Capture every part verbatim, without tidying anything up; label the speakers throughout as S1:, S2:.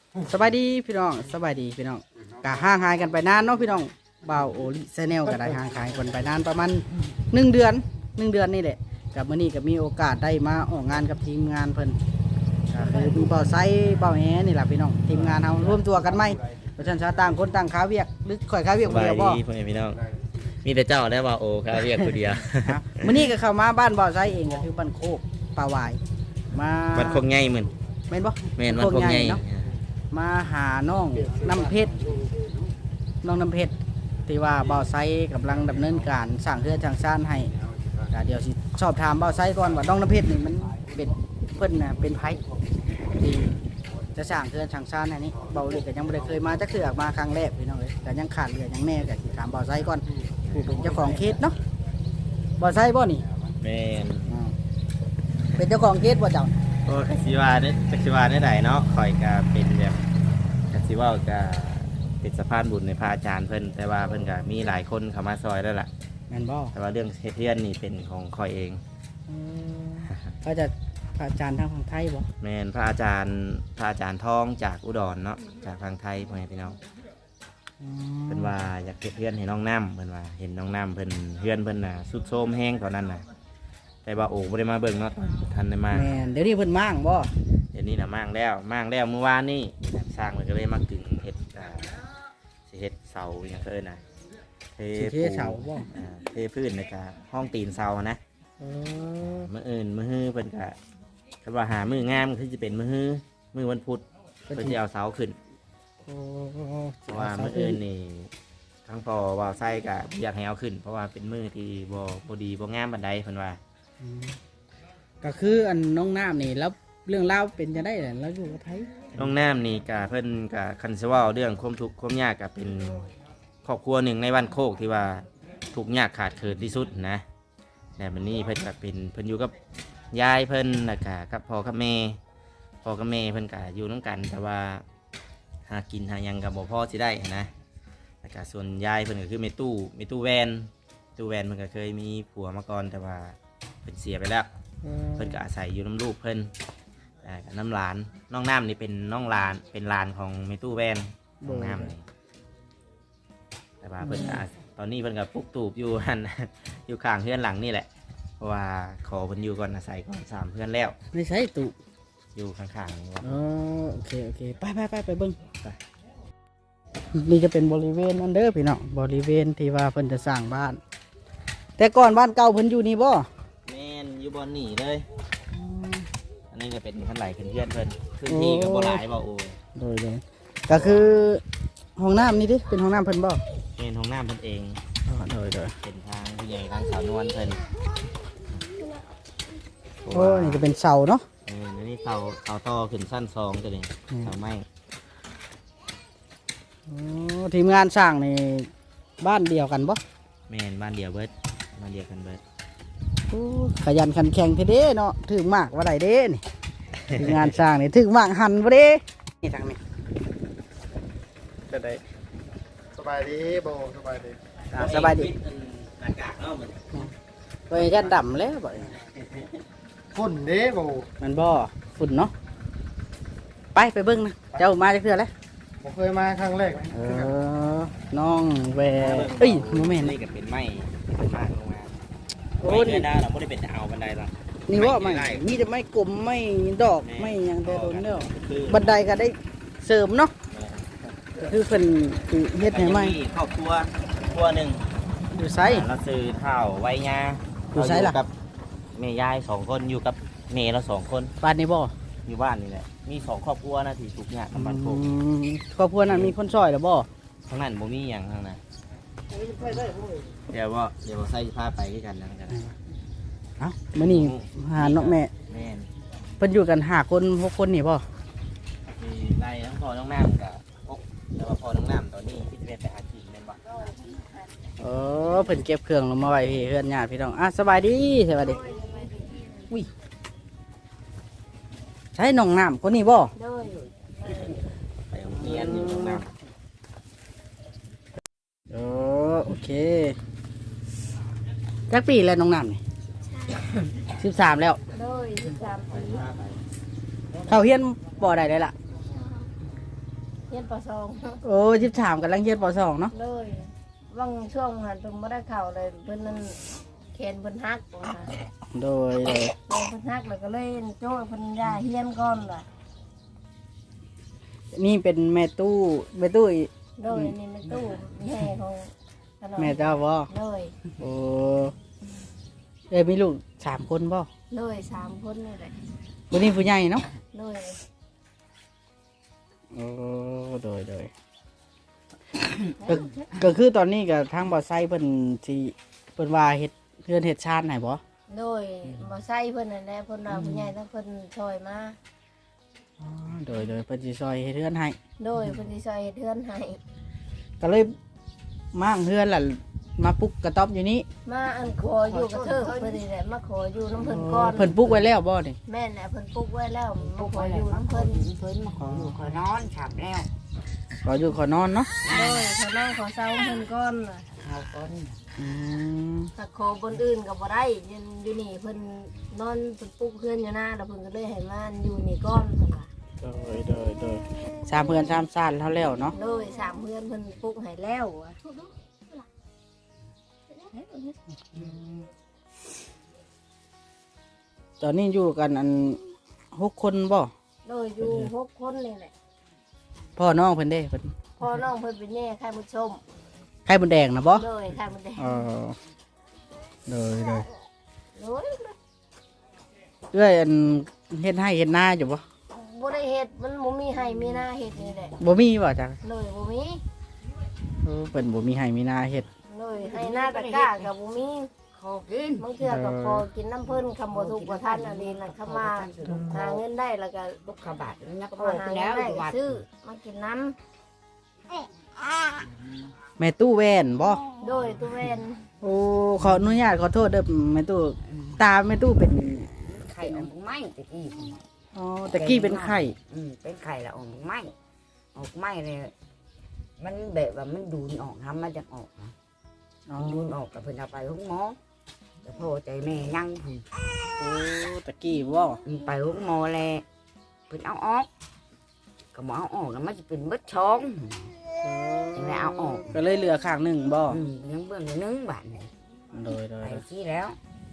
S1: สบายดีพี่น้องสบายดีพี่น้องกะห่างหายกันไปนานเนาะพี่น้องบ่าวโอลิแซเนลก็ได้ห่างหายกันไปนานประมาณหนึ่งเดือนหนึ่งเดือนนี่แหละกับมื้อนี้ก็มีโอกาสได้มาออกงานกับทีมงานเพิ่นก็คือมีบ่าวไซบ่าวแหนี่แหละพี่น้องทีมงานเฮารวมตัวกันไหมเพราะฉะนั้นต่างคนต่างค้าเวียกหรือข่อยค้าเวียก
S2: ส
S1: คน
S2: บาย
S1: เดียวบ่
S2: ดีพ่อแม่พี่น้องมีแต่เจ้าได้ว่าโอ้ครับเรียกคนเดียว
S1: ครับมื้อนี้ก็เข้ามาบ้านบ่าวไซเองก็คือบ้านโคกป่าหวายมา
S2: มันคงง่ายเหมือน
S1: แม่นบ่
S2: แม่นมันคงง่าย
S1: เนาะมาหาน้องน้ำเพชรน้องน้ำเพชรที่ว่าบ่าวไซกำลังดำเนินการสร้างเรือนสร้างซ่านให้ก็เดี๋ยวสิสอบถามบ่าวไซก่อนว่าน้องน้ำเพชรนี่มันเป็นเพิ่นน่ะเป็นไผที่จะสร้างเรือนสร้างซ่านให้นี้เบาเลยก็ยังบ่ได้เคยมาจักเทื่อมาครั้งแรกพี่น้องเอ้ยก็ยังขาดเหลือหยังแน่ก็สิถามบ่าวไซก่อนผู้เป็นเจ้าของเขตเนาะบ่าวไซบ่นี่
S2: แม่น
S1: อ่าเป็นเจ้าของเขตบ่เจ้า
S2: โอ้กสิวาเนี่ยกสิวาได้ไหนเนาะคอยก็เป็นแบบกสิว่าก็เป็นสะพานบุญในพระอาจารย์เพิ่นแต่ว่าเพิ่นก็มีหลายคนเข้ามาซอยแล้วล่ะ
S1: แม่นบ่
S2: แต่ว่าเรื่องเฮ็ดเรียนนี่เป็นของคอยเอง
S1: อืมเขาจะพระอาจารย์ทางฝั่งไทยบ่
S2: แม่นพระอาจารย์พระอาจารย์ทองจากอุดรเนาะจากทางไทยพ่อแม่พี่น้อง
S1: อืม
S2: เพิ่นว่าอยากเฮ็ดเรียนให้น้องน้ำเพิ่นว่าเห็นน้องน้ำเพิ่นเรียนเพิ่นน่ะสุดโทรมแห้งตอนนั้นน่ะแต่ว่าโอ้บ่ได้มาเบิ่งเนาะทันได้มา
S1: แม่นเดี๋ยวนี้เพิ่นมั่างบ่
S2: เดี๋ยวนี้นะมั่งแล้วมั่งแล้วเมื่อวานนี่สร้างมันก็เลยมากึ่งเห็ดอ่าสิเห็ดเสาอย่างเอิ้นนะเท
S1: สิเทเสาบ่
S2: อ่าเทพื้นนะครับห้องตีนเสานะ
S1: เออ
S2: เมื่ออื่นมื่อฮื้อเป็นกะคำว่าหามืองามคือจะเป็นมือฮื้อมือวันพุธเพื่อที่เอาเสาขึ้น
S1: โอ้
S2: เพราะว่ามื่ออื่นนี่ทั้งพอวาวไส้กะอยากให้เอาขึ้น เพราะว่าเป็นมือที่บ่บ่ดีบ่งามบันไดเพิ่นว่า
S1: อืมก็คืออันน้องน้ำนี่แล้วเรื่องเล่าวเป็นจะได้แหละแล้วอยู่กับไทย
S2: น้องน้ำนี่กะเพิ่นกะคันสิเว่าเรื่องความทุกข์ความยากกะเป็นครอบครัวหนึ่งในบ้านโคกที่ว่าทุกข์ยากขาดเขินที่สุดนะแต่บัดนี้เพิ่นกะเป็นเพิ่นอยู่กับยายเพิ่นแล้วกะกับพ่อกับแม่พ่อกับแม่เพิ่นกะอยู่น้ำกัน แต่ว่าหากินหาหยังกับบ่พอสิได้นะแล้วก็ส่วนยายเพิ่นก็คือแม่ตู้แม่ตู้แวนตู้แวนเพิ่นก็เคยมีผัวมาก่อนแต่ว่าเพิ่นเสียไปแล้ว เพิ่นก็อาศัยอยู่น้ำลูกเพิ่นแต่กับน้ำหลานน้องน้ำนี่เป็นน้องหลานเป็นหลานของเมตู้แวนน้องน้ำนี่แต่ว่าเพิ่นก็ตอนนี้เพิ่นก็ปลุกตูบอยู่หัน อยู่ข้างเพื่อนหลังนี่แหละเพราะว่าขอเพิ่นอยู่ก่อนอาศัยก่อนสามเพื่อนแล้ว
S1: ไม่ใช่ตุ
S2: อยู่ข้างๆนี่ว่า
S1: อ๋อโอเคโอเคไปไปไปไปเบิ่งไปนี่จะเป็นบริเวณนั่นเด้อพี่น้องบริเวณที่ว่าเพิ่นจะสร้างบ้าน แต่ก่อนบ้านเก่าเพิ่นอยู่นี่บ่
S2: แม่นอยู่บนนี่เลยอันนี้จะเป็นขั้นไหลขึ้นเพื่อนเพิ่นพื้นที่ก็บ่หลายบ่โอ้ย
S1: โดยเลยก็คือห้องน้ำนี่ดิเป็นห้องน้ำเพิ่นบ่
S2: เป็นห้องน้ำเพิ่นเอง
S1: อ๋อโดยโดย
S2: เป็นทางผู้ใหญ่ทางสาวนวลเพิ่น
S1: โอ้นี่ก็เป็นเสาเนาะ
S2: เออนี่เสาเสาต่อขึ้นสั้นสองตัวนี้
S1: อืม
S2: เสาไม้
S1: โอ้ทีมงานสร้างนี่บ้านเดียวกันบ่
S2: แม่นบ้านเดียวเบิดบ้านเดียวกันเบิด
S1: โอ้ขยันขันแข็งเทเด้เนาะถึงมากว่าไดเด้นี่ ทีมงานสร้างนี่ถึงมากหันบ่เด้นี่ทางนี้
S3: จะได้สบายดีโบสบายดี
S1: อ่าสบายดี
S2: อากาศเนาะเหมือน
S1: ไปยันดำแล้วบ่
S3: ฝุ่นเด้โบ
S1: มันบ่ฝุ่นเนาะไปไปเบิ่งนะเจ้ามาจักเทื่อแล้ว
S3: ผมเคยมาครั้งแรก
S1: เออน้องแวเอ้ยโมเมนต์
S2: นี่ก็เป็นไม้เป็นไม้ลงมา
S1: โอ้
S2: โอ้
S1: นี่
S2: นี่ได้เราไม่ได้เป็นเอาบันไดหรอก
S1: นี่ว่าไม่
S2: ไม่ได้
S1: มีแต่ไม่กลมไม่ดอกไม่หยังแต่โดนเนาะ
S2: คือ
S1: บันไดก็ได้เสริมเนาะคือเพิ่นสิเฮ็ดให้ใหม่
S2: ครอบครัวครัวหนึ่ง
S1: อยู่ไส
S2: เราซื้อข้าวไว้ยา
S1: อยู่ไสล่ะ
S2: กับแม่ยายสองคนอยู่กับเมย์เราสองคน
S1: บ้านนี้บ่
S2: อยู่บ้านนี่แหละมีสองครอบครัวนะที่ทุกอย่างกับบ้านโคก
S1: อืมครอบครัวนั้นมีคนช่วยหรือบ่
S2: ทั้งนั้นบ่มีอย่างทั้งนั้นเดี๋ยวว่าเดี๋ยวใส่ผ้าไปด้วยกันนะกัน
S1: เอ้ามื้อนี้หาน้องแม่
S2: แม่น
S1: เพิ่นอยู่กันห้าคนหกคนนี่บ่
S2: มีไล่ทั้งพ่อน้องน้ำกับพกแต่ว่าพ่อน้องน้ำตอนนี้ที่จะไปหากินแม่นบ่
S1: เออเพิ่นเก็บเครื่องลงมาไว้พี่เฮือนญาติพี่น้องอ่ะสบายดีสบายดีอุ้ยใช้น้องน้ำคนนี้บ่
S4: โดย
S2: ไปโรงเรียนอยู่น้องน้
S1: เออโอเคจักปีแล้วน้องน้ำนี่สิบสามแล้ว
S4: โดยสิบสามปี
S1: เขาเฮียนบ่ได้เลยล่ะ
S2: ำ
S4: เฮียนปสอง
S1: โอ้สิบสามกำลังเรียนปสองเนาะ
S4: เลยว่างช่วงหันเพิ่นบ่ได้เข้าเลยเพิ่นนั่นแขนเพิ่นหักว่า
S1: โดยโดย
S4: แขนเพิ่นหักแล้วก็เลยโจ้เพิ่นย่าเฮียนก่อนล่ะ
S1: นี่เป็นแม่ตู้แม่ตู้อี
S4: โดยนี่มันตู้แม่ของขนม
S1: แม่เจ้าบ่
S4: เลย
S1: โอ้เอ้ยมีลูกสามคนบ่
S4: เลยสามคนนี่แหละ
S1: วันนี้ผู้ใหญ่เนาะ
S4: เลย
S1: โอ้โดยโดยก็ก็คือตอนนี้กับทางบ่อไซเพิ่นสิเพิ่นว่าเฮ็ดเพื่อนเฮ็ดชาติไหนบ่
S4: โดยบ่ใส่เพิ่นนั่นแหละเพิ่นว่าผู้ใหญ่ทั้งเพิ่นช่วยมา
S1: อ๋อโดยโดยเพิ่นสิซอยเฮ็ดเพื่อนให้
S4: โดยเพิ่นสิช่วยเฮ็ดเทือนให้
S1: ก็เลยมั่างเพื่อนล่ะมาปลุกกระต๊อบอยู่นี้
S4: มาอันขออยู่กับเธอเพิ่นนี่แหละมาขออยู่น้ำเพิ่นก่อน
S1: เพิ่นปลุกไว้แล้วบ่นี่
S4: แม่นแหละเพิ่นปลูกไว้แล้วมา
S5: ลูก
S4: ข
S5: ค
S4: อน อ
S5: อยู่
S4: ยู่
S5: น้ำ
S4: น้ำ
S5: เพิ่
S4: เพิ่
S5: น
S4: น
S5: เพิ่นมาขออยู่ขอนอนฉับแล้ว
S1: ขออยู่ขอนอนเนาะ
S4: โดยขอนั่งขอเศร้าเพิ่นก่อนน่ะ
S5: เอาก้น
S1: อืม
S4: ถ้าขอบนอื่นก็บ่ได้ยืนอยู่นี่เพิ่นนอนเพิ่นปลูกเพื่อนอยู่หน้าแล้วเพิ่นก็เลยให้มาอยู่นี่ก่อนเพิ่นว่า
S1: โดยโดยโดยสามเพื่อนสามซ่านเท่าแล้วเนาะ
S4: โดยสามเพื่อนเพิ่นปลูกให้แล้วอะ
S1: ตอนนี้อยู่กันอันหกคนบ่
S4: โดยอยู่หกคนนี่แหละ
S1: พ่อน้องเพิ่นเด้เพิ่น
S4: พ่อน้องเพิ่นเป็นแม่ไข่มดชม
S1: ไข่มดแดงนะบ่
S4: โดยไข่มดแดง
S1: เออโดยโดย
S4: โดย
S1: เอ้อยอันเฮ็ดให้เฮ็ดหน้าอยู่บ่
S4: บ่ได้เฮ็ดมันบ่มีให้มีหน้าเฮ็ดนี่แหละ
S1: บ่มีบ่จ้ะ
S4: เลยบ่มี
S1: เออเพิ่นบ่มีให้มีหน้าเฮ็ด
S4: เลยให้หน้าตะกร้าก็บ่มี
S5: ขอกิน
S4: บางเทื่อก็พอกินน้ำเพิ่นคำบ่ถูกบ่ทันอันนี้น่ะเข้ามาหาเงินได้แล้วก็
S5: ลูกขบาดนัก
S4: ก็
S5: โต
S4: มาหา
S5: ไป
S4: เงิ
S5: แล้
S4: น
S5: ว
S4: ได้
S5: วัด
S4: ซื้อมากินน้
S1: แม่ตู้แว่นบ่
S4: ำโดยตัวเวน
S1: โอ้ขออนุญาตขอโทษเด้อแม่ตู้ตาแม่ตู้เป็น
S5: ไข่ออกไม้ตะกี้
S1: อ๋อตะกี้เป็นไข้
S5: อืมเป็นไข่ละออกไม้ออกไม้เลยมันแบบว่ามันดูนออกทำมาจากออกนะ
S1: อ๋อ
S5: ดูนออกกับเพิ่นเอาไปห้องหมอแต่พ่อใจแม่ยังเพิ่น
S1: โอ้ตะกี้บ่
S5: อืมไปห้องหมอแลเพิ่นเอาออกก็บ่เอาออกแล้วมันจะเป็นเบิดช่อง ยังไงเอาออก
S1: ก็เลยเหลือข้างหนึงบ่
S5: อืมยังเบิ่งอยู่นึงบาทนี่
S1: โดยโดย
S5: ไปที่แล้ว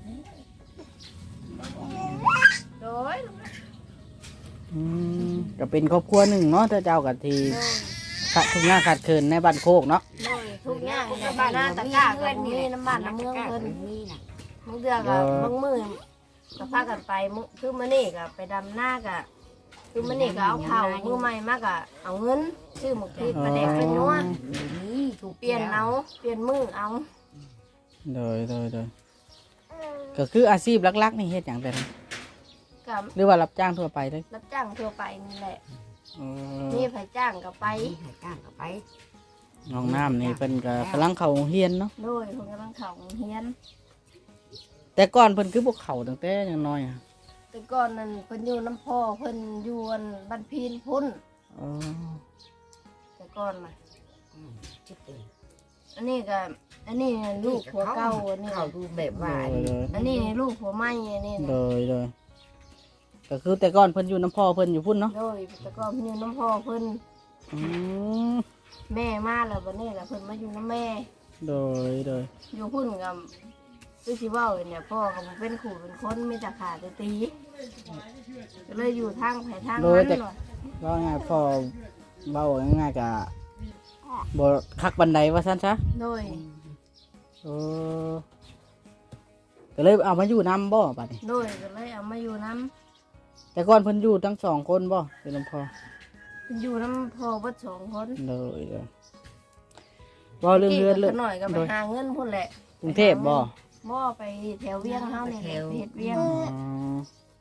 S4: โดย
S1: อืมก็เป็นครอบครัวหนึ่งเนาะถ้าเจ้ากับที
S4: โดย
S1: ขาดทุกอย่างขาดเคินในบ้านโคกเนาะ
S4: โดยทุกอย่างในบ้านหน้าตะกร้าก็บ่มีน้ำบ้านน้ำเมืองเพิ่น
S5: มีน่ะ
S4: บางเทื่อก็บางมื้อก็พากันไปมื้อคือมื้อนี้ก็ไปดำหน้าก็คือมื้อนี้ก็เอาข้าวมื้อใหม่มาก็เอาเงินซื้อหมกพริกปลาแดกเป็นนัว
S5: นี่ถูก
S4: เปลี่ยนเอาเปลี่ยนมื้อเอา
S1: โดยโดยโดยก็คืออาชีพหลักๆนี่เฮ็ดอย่างเป็น
S4: กับ
S1: หรือว่ารับจ้างทั่วไปเลย
S4: รับจ้างทั่วไปนี่แหละ
S1: เออ
S4: มีไผจ้างก็ไป
S5: ไปหาจ้างก็ไป
S1: น้องน้ำนี่เป็นก็กำลังเข้าโรงเรียนเนาะ
S4: โดยเพิ่นกำลังเข้าโรงเรียน
S1: แต่ก่อนเพิ่นคือพวกเขาตั้งแต่ยังน้อยอะ
S4: แต่ก่อนนั้นเพิ่นอยู่น้ำพ่อเพิ่นอยู่อันบ้านพีนพุ่น
S1: อ๋อ
S4: แต่ก่อนน่ะ
S5: อืมชิบเอง
S4: อันนี้ก็อันนี้ลูกผัวเก่าอันนี้
S5: เขาดูแบบว่า
S1: โดยโดย
S4: อันนี้ลูกผัวใหม่อันนี้
S1: โด
S4: นะ
S1: ยโดยก็คือแต่ก่อนเพิ่นอยู่น้ำพ่อเพิ่นอยู่พุ่นเนาะ
S4: โดยแต่ก่อนเพิ่นอยู่น้ำพ่อเพิ่น
S1: อืม
S4: แม่มาแล้วบัดนี้ล่ะเพิ่นมาอยู่น้ำแม่
S1: โดยโดย
S4: อยู่พุ่นกับคือสิเว้าเนี่ยพ่อก็บ่เป็นขู่เป็นคนมีแต่ขาแต่ตีก็เลยอยู่ทางไผทางมันว่ะ
S1: ว่าง่ายพอเบาง่ายๆกะบ่คักบันไดว่าซั่นซะ
S4: โดย
S1: เออก็เลยเอามาอยู่นำบ่บัดนี้
S4: โดยก็เลยเอามาอยู่น้
S1: แต่ก่อนเพิ่นอยู่ทั้งสองคนบ่เป็นลำพอ
S4: ำอยู่น้ำพ่อเบิดสองคน
S1: เลยเลยบ่เรื่องเรือนเรื่อง
S4: หน่อยก็ไปหาเงินพุ่นแหละ
S1: กรุงเทพบ่
S4: บ่ไปแถวเวียงเฮาเนี่ยแหละไปเฮ็ดเวียง
S1: อ๋อ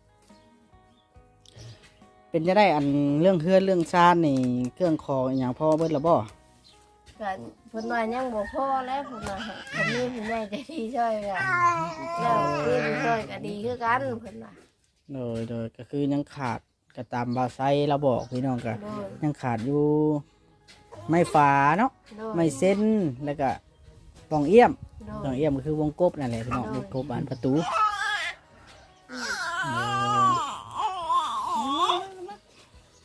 S1: เป็นจะได้อันเรื่องเฮือนเรื่องซ่านนี่เครื่องคออหย่างพ่อเบิดละบ่
S4: ก็เพิ่นว่ายังบ่พอแล้วเพิ่นว่าก็มีผู้ใหญ่ใจดีช่วยก็แล้วคือช่วยก็ดีคือกันเพิ่นว่า
S1: เลยเลยก็คือยังขาดก็ตามบาไซเราบอกพี่น้องก็
S4: โดย
S1: ยังขาดอยู่ไม้ฝาเนาะ
S4: โดย
S1: ไม้เส้นแล้วก็ปล่องเอี้ยม
S4: โด
S1: ปล่อย งเอี้ยมก็คือวงกบนั่นแหละพี่น้องวงกบบานประตูเออ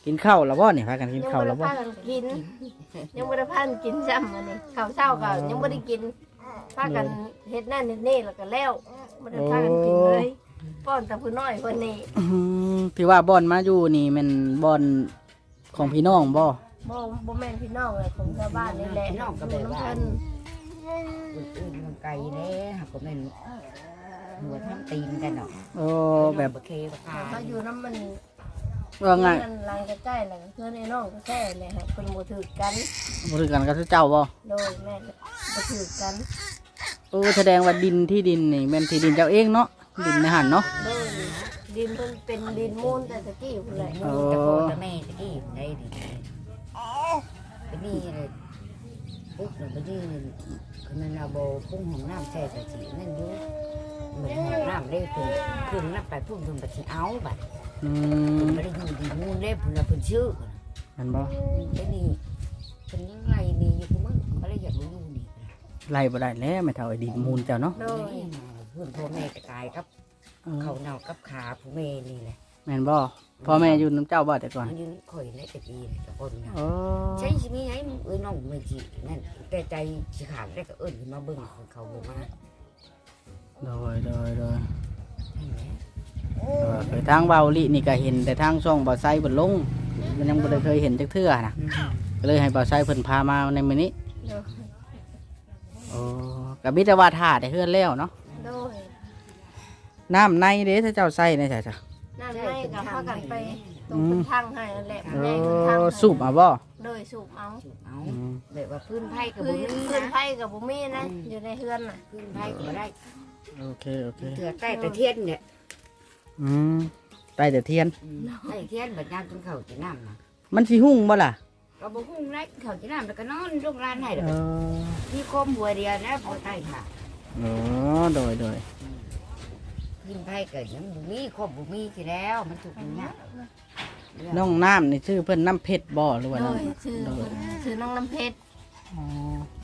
S1: กินข้าวแล้วบ่นี่พากันกิน
S4: ยัง
S1: ข้าว
S4: บ่
S1: แล้
S4: ได้
S1: วบ่
S4: พากันกิน ยังบ่ได้พากันกินซ้ำอันนี้ข้าวเช้าก็ยังบ่ได้กินพากันเฮ็ดนั่นเฮ็ดนี่แล้วก็แล้วบ่ได้พากันกินเลยป้อนแต่ผู้น้อยคนนี้
S1: อื้อหือที่ว่าบ่อนมาอยู่นี่แมันบ่อนของพี่น้องบ่
S4: บ่บ่แม่นพี่น้องเลยของชาวบ้านนี่แหละน้องก็แบบว่า
S5: อื่นๆมันไกลเด้หักก็แม่นหัวทำตีนกันเนาะ
S1: โอ้แบบ
S5: บ่เคบ่คา
S4: เขาอยู่น้ำมัน
S1: ว่าไง
S4: เพื่อนรังใกล้ๆแล้วเพื่อนไอ้น้องก็แค่เลยครับเพิ่นบ่ถือกัน
S1: บ่ถือกันกับเจ้าบ่
S4: โดยแม่บ่ถือกัน
S1: โอ้แสดงว่าดินที่ดินนี่แม่นที่ดินเจ้าเองเนาะดินในหันเนาะ
S4: โดยดินเพิ่นเป็นดินมูลแต่ตะกี้พุ่นแหละ
S1: โอ้
S5: แต่พ่อแต่แม่ตะกี้ได้ดิไปนี่เลยปุ๊บแล้วไปนี่คือมันเอาโบพุ่งห้องน้ำแช่ตะจีนั่นอยู่เหมือนห้องน้ำได้ถึงขึ้นน้ำไปพุ่งถึงไปสิเอาบัด
S1: อื
S5: เพิ่
S1: ม
S5: นบ่ได้อยู่ดีมูลเด้เพิ่นน่ะเพิ่นชื่อ
S1: แม่นบ่
S5: ไอ้นี่เพิ่นยังไงนี่อยู่กูมึงเขาเลยอยากรู้อยู่นี่
S1: ไล่บ่ได้แล้วแม่เฒ่าไอ้ดินมูลเจ้าเนาะ
S4: โดย
S5: เพื่อนพ่อแม่ก็ตายกับ
S1: เออ
S5: เขาเน่ากับขาผู้แม่นี่แหละ
S1: แม่นบ่พ่อแม่อยู่น้ำเจ้าบ่แต่ก่อน
S5: มันอยู่ข่อยและตะกี้กับคนนะ
S1: โอ้
S5: ใช่สิมีไงเอ้ยน้องไม่จีนั่นแต่ใจสิขาดได้ก็เอิ้นขึ้นมาเบิ่งของเขาบ่มา
S1: โดยโดยโดย
S5: นั่นแหละ
S1: เออไปทางเบาลินี่ก็เห็นแต่ทางช่องเบาไซเพิ่นลงมันยังบ่ได้เคยเห็นจักเทื่อนะ
S5: อืม
S1: ก็เลยให้เบาไซเพิ่นพามาในมื้อนี้
S4: โดย
S1: โอ้ก็มีแต่ว่าท่าได้เฮือนแล้วเนาะ
S4: โดย
S1: น้ำในเด้ถ้าเจ้าใส่ในใช่จ้ะ
S4: นั่นให้กับพากันไปตรงเพิ่นทางให้นั่นแหละ
S1: โอ้
S4: แม่เพิ่นทางให้
S1: สูบเอาบ่
S4: โดยสูบเอา
S5: เอา
S1: อืม
S5: แบบว่าพื้นไผ่ก็
S4: คื
S5: บ่
S4: อ
S5: มี
S4: ขึ้น
S5: นะ
S4: ไผกับบ่มีนะอยู่ในเฮือนน่ะ
S5: พื้นไผ่ก็บ่ได้
S1: โอเคโอเค
S5: เถื่อใต้ตะเทียนเนี่ย
S1: อืมใต้แต่เทียน
S5: อืมใต้เทียนบัดยามกินข้าวกินน้ำนะ
S1: มันสิหุ่งบ่ล่ะ
S5: ก็บ่ฮู้ได้ข้าวกินน้ำแล้วก็นอนโรงร้านให้แล้ว
S1: เอ
S5: ก็
S1: อ
S5: มีโคมหัวเดียวนะบ่ใต้ค่ะ
S1: อ๋อโดยโดย
S5: กินไผ่เกิดยังบุมีครบบุมีสิแล้วมันถูกอย่างเงี้ย
S1: น้องน้ำนี่ชื่อเพิ่นน้ำเพชรบ่หรือว่า
S4: โด
S1: น้
S4: ยชื่อ
S1: ำโดย
S4: ชื่อน้องน้ำเพชร
S1: อ๋อ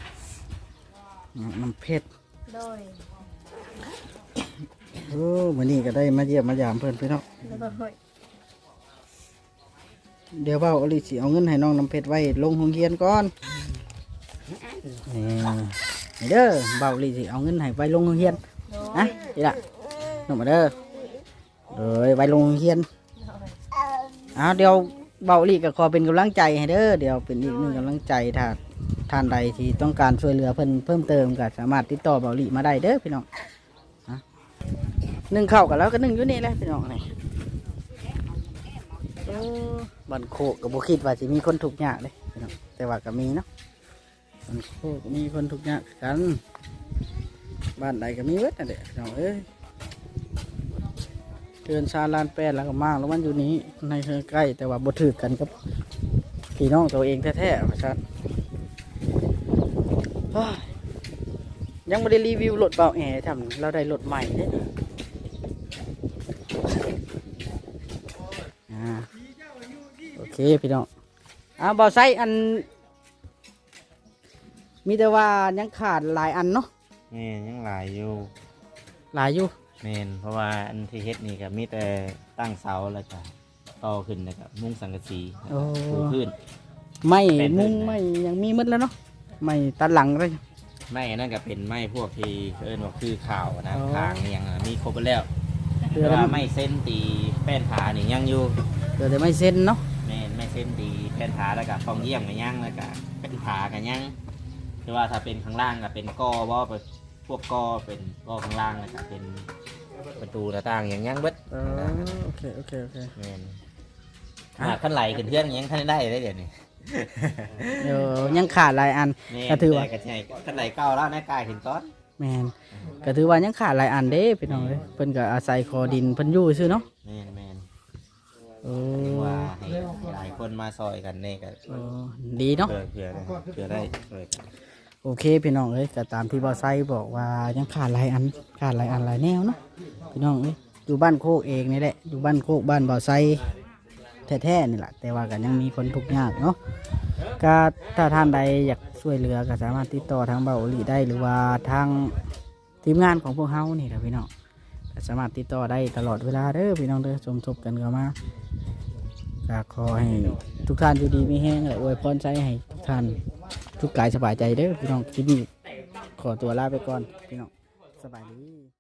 S1: น้ำเพชร
S4: โดย
S1: โอ้มื้อนี้ก็ได้มาเยี่ยมมายามเพิ่นพี่น้อง
S4: แล้วก็เฮ้ย
S1: เดี๋ยวเว่าอลิสิเอาเงินให้น้องน้ำเพชรไว้ลงโรงเรียนก่อนนี่นี่เด้อเบาอลิสิเอาเงินให้ไว้ลงโรงเรียน
S4: โดย
S1: นะนี่ล่ะน้องมาเด้อเอ้ยไว้ลงโรงเรียน
S4: โดย
S1: เอาเดี๋ยวเบาอลิก็ขอเป็นกำลังใจให้เด้อเดี๋ยวเป็นอีกหนึ่งกำลังใจถ้าท่านใดที่ต้องการช่วยเหลือเพิ่นเพิ่มเติมก็สามารถติดต่อเบาอลิมาได้เด้อพี่น้องนะนึ่งข้าวกันแล้วก็นึ่งอยู่นี่แหละพี่น้องนี่เออบันโคกกับบุคิดว่าจะมีคนถูกข์ยากเลยพี่น้องแต่ว่าก็มีเนาะบันโคกก็มีคนถูกข์ยากกัน บ้านใดก็มีเวทนั่นแหละพี่น้องเอ้ยเตือนชาลานแปดแล้วก็มากแล้วมันอยู่นี้ในเธอใกล้แต่ว่าบ่ถือกันกับพี่น้องตัวเองแท้ๆว่าซั่นเฮ้ยยังไม่ได้รีวิวรถเบาแอร์ทำเราได้รถใหม่เด้อ่าโอเคพี่น้องอ่าเบาไซอัน มีแต่ว่ายังขาดหลายอันเนาะ
S2: แม่นยังหลายอยู่
S1: หลายอยู่
S2: แม่นเพราะว่าอันที่เฮ็ดนี่ก็มีแต่ตั้งเสาแล้วก็ต่อขึ้นแล้วก็มุ้งสังกะสี
S1: โอ้
S2: ปูพื้น
S1: ไม่
S2: เป็น
S1: มุ้ง
S2: เป็น
S1: ไม่ยังมีหมดแล้วเนาะไม่ตัดหลังเลย
S2: ไม้อันนั่นก็เป็นไม้พวกที่เอิ้นว่าคือข่าวนะ
S1: อ๋อ
S2: ทางนี่ยังอะมีครบหมดแล้ว
S1: เดือ
S2: แต่
S1: แต่
S2: ว่าไม้เส้นตีแป้นผานี่ยังอยู่
S1: เดือแต่ไม่เส้นเนาะ
S2: แม่นไม้เส้นตีแป้นผาแล้วก็ฟองเยี่ยมก็ยังแล้วก็เป็นผาก็ยังคือว่าถ้าเป็นข้างล่างก็เป็นกอบ่ไปพวกกอเป็นกอข้างล่างแล้วก็เป็นประตูหน้าต่างอย่างยังเบิด
S1: เออโอเคโอเคโอเค
S2: แม่น
S1: อ่ะ
S2: หากขั้นไหลขึ้นเทือนยังขั้นได้ได้เดี๋ยวนี้
S1: เดี๋ยวยังขาดหลายอัน
S2: แม่น
S1: ก็ถือว่า
S2: แต่กระชัยขั้นไหลเก้าแล้วแม่กายถึงก้อน
S1: แมนก็ถือว่ายังขาดหลายอันเด้พี่น้องเลยเพิ่นก็อาศัยคอดินเพิ่นอยู่ซื่อเนาะ
S2: แม่นแม่น
S1: โอ้
S2: ว่าให้หลายคนมาซอยกันนี่ก็
S1: โอ้ดีเนาะ
S2: เพื่อเพื่อได้เพื่อได้ซอยกัน
S1: โอเคพี่น้องเอ้ยก็ตามที่บอไซบอกว่ายังขาดหลายอันขาดหลายอันหลายแนวเนาะพี่น้องเอ้ยอยู่บ้านโคกเองนี่แหละอยู่บ้านโคกบ้านบอไซแท้ๆนี่แหละแต่ว่าก็ยังมีคนทุกข์ยากเนาะก็ถ้าท่านใดอยากช่วยเหลือก็สามารถติดต่อทางเบาหลีได้หรือว่าทางทีมงานของพวกเฮานี่ครับพี่น้องก็สามารถติดต่อได้ตลอดเวลาเด้อพี่น้องเด้อชมทบกันเข้ามาก็ขอให้ทุกท่านอยู่ดีมีแห้งและอวยพรใจให้ทุกท่านทุกกายสบายใจเด้อพี่น้องที่นี่ขอตัวลาไปก่อนพี่น้องสบายดี